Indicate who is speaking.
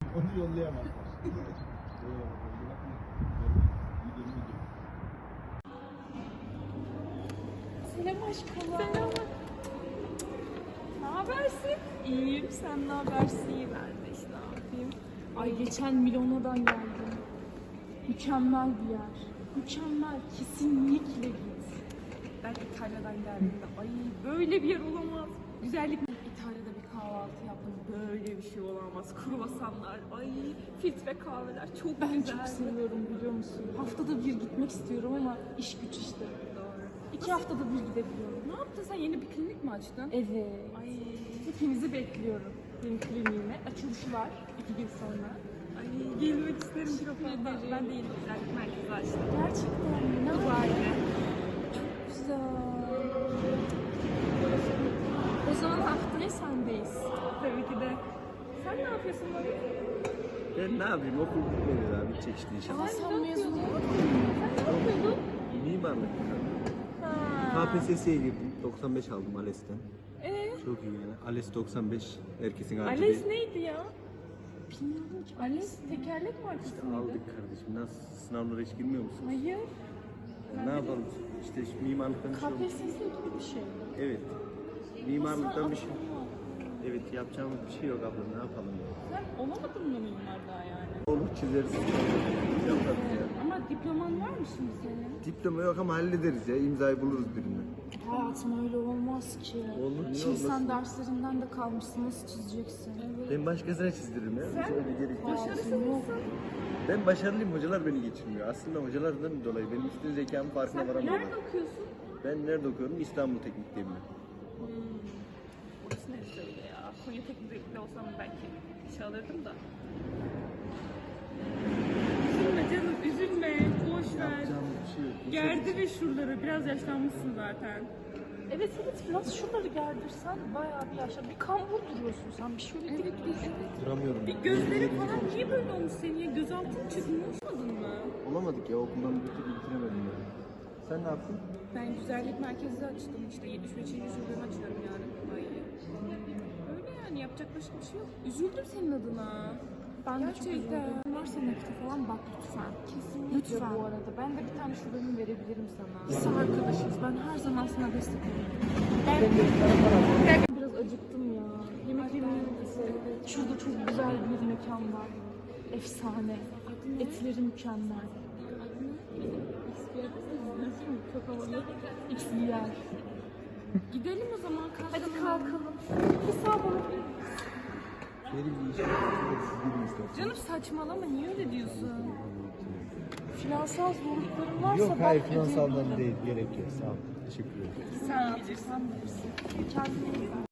Speaker 1: Onu yollayamazlar.
Speaker 2: Selam aşkım. Selam. Ne habersin? İyiyim. Sen ne habersin? Ben de işte ne yapayım. Ay geçen Milano'dan geldim. Mükemmel bir yer. Mükemmel. Kesinlikle git. Ben İtalya'dan geldim de ay böyle bir yer olamaz. Güzellik. İtalya'da bir kahvaltı yaptım. Böyle bir şey olamaz. Kruvasanlar, ay filtre kahveler çok güzel. Ben çok seviyorum biliyor musun? Haftada bir gitmek istiyorum ama iş güç işte. Doğru. 2 haftada bir gidebiliyorum. Ne yaptın sen? Yeni bir klinik mi açtın? Evet. Ay hepinizi bekliyorum. Benim kliniğime. Açılışı var 2 gün sonra. Ay gelmek isterim çok fazla. Ben de yeni güzellik merkezi açtım. Gerçekten mi? Ne Dubai'de. Çok güzel. O zaman haftaya sendeyiz. Tabii ki de. Sen ne yapıyorsun bugün?
Speaker 3: Ben ne yapayım? Okul bitmedi daha. Bitecek işte inşallah.
Speaker 2: Sen mezun olmadın mı? Sen ne yapıyordun?
Speaker 3: Mimarlık. KPSS'ye girdim. 95 aldım ALES'ten. Çok iyi yani. ALES 95. Herkesin harcı
Speaker 2: Ales
Speaker 3: değil.
Speaker 2: neydi ya? Bilmiyorum ki. Ales tekerlek markası mıydı?
Speaker 3: Aldık kardeşim. Nasıl? Sınavlara hiç girmiyor musun?
Speaker 2: Hayır.
Speaker 3: Ne yapalım? İşte mimarlıktan bir şey olmuş.
Speaker 2: KPSS gibi bir şey.
Speaker 3: Evet. Mimarlıktan bir şey.
Speaker 2: Aslında
Speaker 3: Evet, yapacağımız bir şey yok abla. Ne yapalım ya?
Speaker 2: sen olamadın mı mimar daha yani?
Speaker 3: Olur, çizeriz. Yaparız ya.
Speaker 2: Ama diploman var mı şimdi senin?
Speaker 3: Diploma yok ama hallederiz ya. İmzayı buluruz birine.
Speaker 2: Hayatım öyle olmaz ki.
Speaker 3: Olur, niye
Speaker 2: Şimdi sen
Speaker 3: olmasın?
Speaker 2: derslerinden de kalmışsın. Nasıl çizeceksin? Evet.
Speaker 3: Ben başkasına çizdiririm ya. Hiç öyle gerek yok.
Speaker 2: Başarısın yok.
Speaker 3: Ben başarılıyım, hocalar beni geçirmiyor. Aslında hocalardan dolayı benim üstün zekamın farkına varamıyorum.
Speaker 2: Nerede okuyorsun?
Speaker 3: Ben nerede okuyorum? İstanbul Teknik'teyim ben.
Speaker 2: Burası neresi öyle ya? Konya Teknik'te olsam belki işe alırdım da. Üzülme canım, üzülme. Boş ver.
Speaker 3: Yapacağım bir şey yok.
Speaker 2: Gerdi ve şuraları. Biraz yaşlanmışsın zaten. Evet biraz şuraları gerdirsen bayağı bir yaşa. Bir kambur duruyorsun sen. Bir şöyle dik dur.
Speaker 3: Duramıyorum.
Speaker 2: Bir gözleri falan niye böyle olmuş senin ya? Gözaltın çıkmış olmadın mı?
Speaker 3: Olamadık ya, okuldan bir türlü bitiremedim ya. Sen ne yaptın?
Speaker 2: Ben güzellik merkezi açtım işte 75. şubemi açıyorum yarın. Ay. Öyle yani yapacak başka bir şey yok. Üzüldüm senin adına. Ben de çok üzüldüm. Varsa nakiti falan bak lütfen. Kesinlikle lütfen. Bu arada ben de bir tane şubemi verebilirim sana. Biz arkadaşız. Ben her zaman sana destek olurum. Ben biraz acıktım ya. Yemek yemeyi şurada çok güzel bir mekan var. Efsane. Etleri mükemmel. Çok havalı. XYR. Gidelim o zaman. Hadi kalkalım. Hesap alabilir
Speaker 3: Benim bir işim var. Siz gidin isterseniz.
Speaker 2: Canım saçmalama. Niye öyle diyorsun? Finansal zorlukların varsa
Speaker 3: Yok hayır,
Speaker 2: ben
Speaker 3: finansaldan
Speaker 2: ödeyebilirim.
Speaker 3: değil. Gerek yok. Sağ ol. Teşekkür ederim.
Speaker 2: Sen bilirsin. Kendine iyi bak.